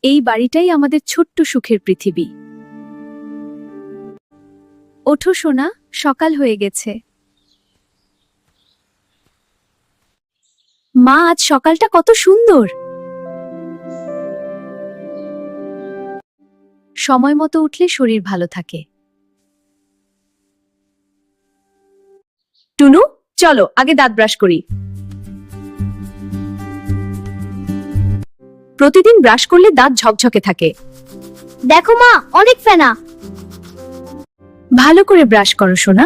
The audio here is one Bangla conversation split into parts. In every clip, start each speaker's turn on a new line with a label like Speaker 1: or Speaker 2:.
Speaker 1: এই বাড়িটাই আমাদের ছোট্ট সুখের পৃথিবী। ওঠো সোনা, সকাল হয়ে গেছে। মা, আজ সকালটা কত সুন্দর। সময় মতো উঠলে শরীর ভালো থাকে। টুনু, চলো আগে দাঁত ব্রাশ করি। প্রতিদিন ব্রাশ করলে দাঁত ঝকঝকে থাকে।
Speaker 2: দেখো মা, অনেক ফেনা।
Speaker 1: ভালো করে ব্রাশ করো সোনা।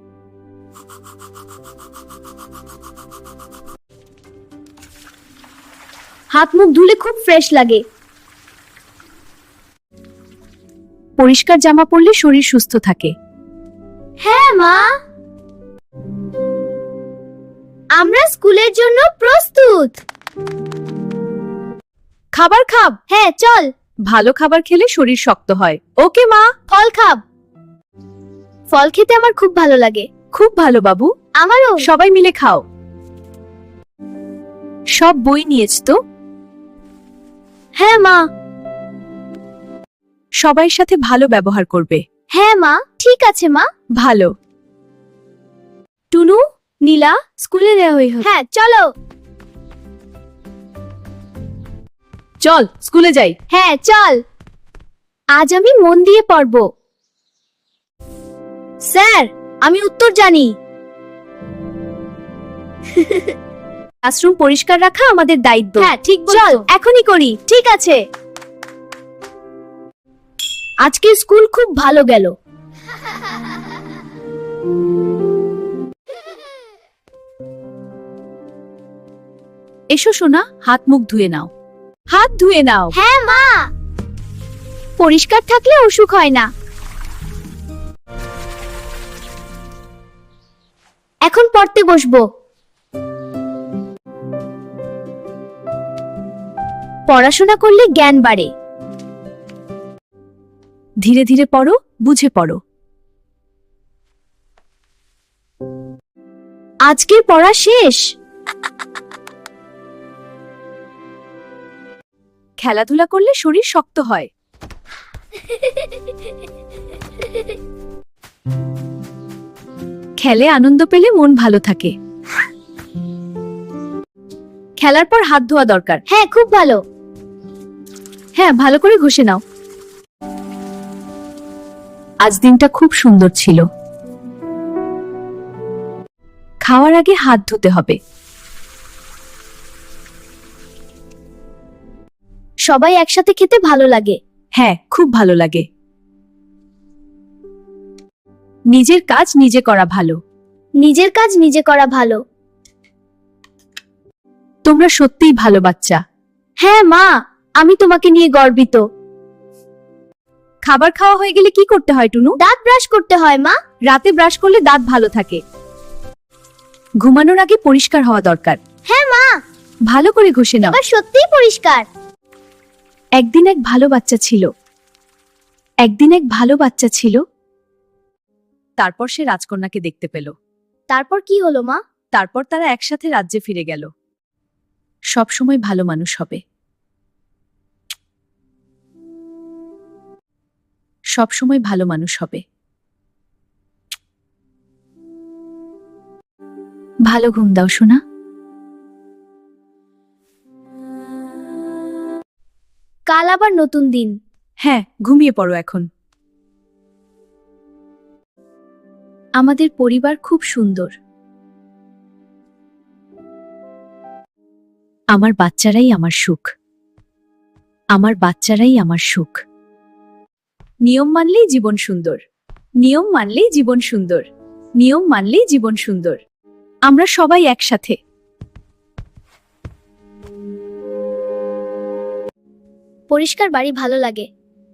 Speaker 2: হাত মুখ ধুলে খুব ফ্রেশ লাগে।
Speaker 1: পরিষ্কার জামা পরলে শরীর সুস্থ থাকে।
Speaker 2: হ্যাঁ মা, আমরা স্কুলের জন্য প্রস্তুত।
Speaker 1: খাবার খাব।
Speaker 2: হ্যাঁ চল।
Speaker 1: ভালো খাবার খেলে শরীর শক্ত হয়। ওকে মা।
Speaker 2: ফল খাব। ফল খেতে আমার খুব ভালো লাগে।
Speaker 1: খুব ভালো বাবু।
Speaker 2: আমারও।
Speaker 1: সবাই মিলে খাও। সব বই নিয়েছ তো?
Speaker 2: হ্যাঁ মা।
Speaker 1: সবাই সাথে ভালো ব্যবহার করবে।
Speaker 2: হ্যাঁ মা, ঠিক আছে মা।
Speaker 1: ভালো।
Speaker 2: টুনু, নীলা, স্কুলে দেওয়া হয়ে হ্যাঁ চলো।
Speaker 1: চল স্কুলে যাই।
Speaker 2: হ্যাঁ চল। আজ আমি মন দিয়ে পড়ব। স্যার, আমি উত্তর জানি।
Speaker 1: ক্লাসরুম পরিষ্কার রাখা আমাদের দায়িত্ব।
Speaker 2: হ্যাঁ ঠিক বলছো। চল এখনই করি। ঠিক আছে। আজকে স্কুল খুব ভালো গেল।
Speaker 1: এসো সোনা, হাত মুখ ধুয়ে নাও। হাত ধুয়ে নাও।
Speaker 2: হ্যাঁ মা। পরিষ্কার থাকলে অসুখ হয় না। এখন পড়তে বসবো। পড়াশোনা করলে জ্ঞান বাড়ে।
Speaker 1: ধীরে ধীরে পড়ো, বুঝে পড়ো।
Speaker 2: আজকের পড়া শেষ।
Speaker 1: খেলাধুলা করলে শরীর শক্ত হয়। খেলে আনন্দ পেলে মন ভালো থাকে। খেলার পর হাত ধোয়া দরকার।
Speaker 2: হ্যাঁ খুব ভালো।
Speaker 1: হ্যাঁ, ভালো করে ঘষে নাও। আজ দিনটা খুব সুন্দর ছিল। খাওয়ার আগে হাত ধুতে হবে।
Speaker 2: সবাই একসাথে খেতে ভালো লাগে।
Speaker 1: হ্যাঁ, খুব ভালো লাগে। নিজের কাজ নিজে করা ভালো।
Speaker 2: নিজের কাজ নিজে করা ভালো।
Speaker 1: তোমরা সত্যিই ভালো বাচ্চা।
Speaker 2: হ্যাঁ মা, আমি তোমাকে নিয়ে গর্বিত।
Speaker 1: খাবার খাওয়া হয়ে গেলে কি করতে হয় টুনু?
Speaker 2: দাঁত ব্রাশ করতে হয় মা।
Speaker 1: রাতে ব্রাশ করলে দাঁত ভালো থাকে। ঘুমানোর আগে পরিষ্কার হওয়া দরকার।
Speaker 2: হ্যাঁ মা।
Speaker 1: ভালো করে ঘষে নাও।
Speaker 2: এবার সত্যিই পরিষ্কার।
Speaker 1: একদিন এক ভালো বাচ্চা ছিল। একদিন এক ভালো বাচ্চা ছিল। তারপর সে রাজকন্যাকে দেখতে পেল।
Speaker 2: তারপর কি হলো মা?
Speaker 1: তারপর তারা একসাথে রাজ্যে ফিরে গেল। সব সময় ভালো মানুষ হবে। সব সময় ভালো মানুষ হবে। ভালো ঘুম দাও সোনা।
Speaker 2: কাল আবার নতুন দিন।
Speaker 1: হ্যাঁ, ঘুমিয়ে পড়ো এখন। আমাদের পরিবার খুব সুন্দর। আমার বাচ্চারাই আমার সুখ। আমার বাচ্চারাই আমার সুখ। নিয়ম মানলেই জীবন সুন্দর। নিয়ম মানলেই জীবন সুন্দর। নিয়ম মানলেই জীবন সুন্দর। আমরা সবাই একসাথে।
Speaker 2: পরিষ্কার বাড়ি ভালো লাগে।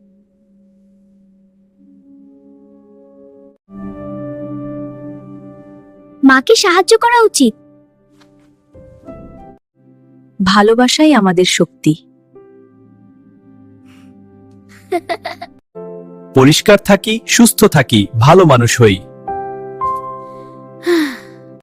Speaker 2: মাকে সাহায্য করা উচিত।
Speaker 1: ভালোবাসাই আমাদের শক্তি।
Speaker 3: পরিষ্কার থাকি, সুস্থ থাকি, ভালো মানুষ হই।